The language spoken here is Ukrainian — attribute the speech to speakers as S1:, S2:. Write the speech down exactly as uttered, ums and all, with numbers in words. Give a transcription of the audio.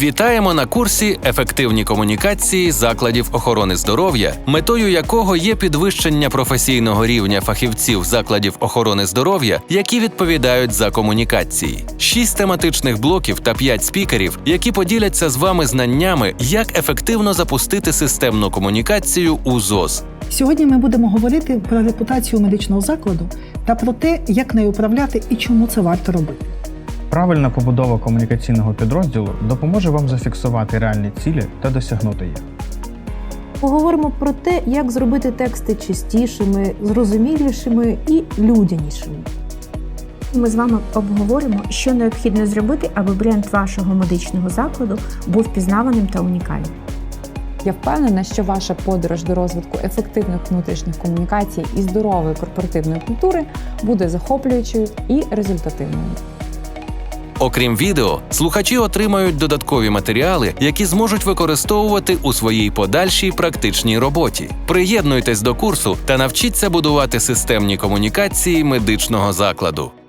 S1: Вітаємо на курсі «Ефективні комунікації закладів охорони здоров'я», метою якого є підвищення професійного рівня фахівців закладів охорони здоров'я, які відповідають за комунікації. Шість тематичних блоків та п'ять спікерів, які поділяться з вами знаннями, як ефективно запустити системну комунікацію у ЗОЗ.
S2: Сьогодні ми будемо говорити про репутацію медичного закладу та про те, як нею управляти і чому це варто робити.
S3: Правильна побудова комунікаційного підрозділу допоможе вам зафіксувати реальні цілі та досягнути їх.
S4: Поговоримо про те, як зробити тексти чистішими, зрозумілішими і людянішими.
S5: Ми з вами обговоримо, що необхідно зробити, аби бренд вашого медичного закладу був впізнаваним та унікальним.
S6: Я впевнена, що ваша подорож до розвитку ефективних внутрішніх комунікацій і здорової корпоративної культури буде захоплюючою і результативною.
S1: Окрім відео, слухачі отримають додаткові матеріали, які зможуть використовувати у своїй подальшій практичній роботі. Приєднуйтесь до курсу та навчіться будувати системні комунікації медичного закладу.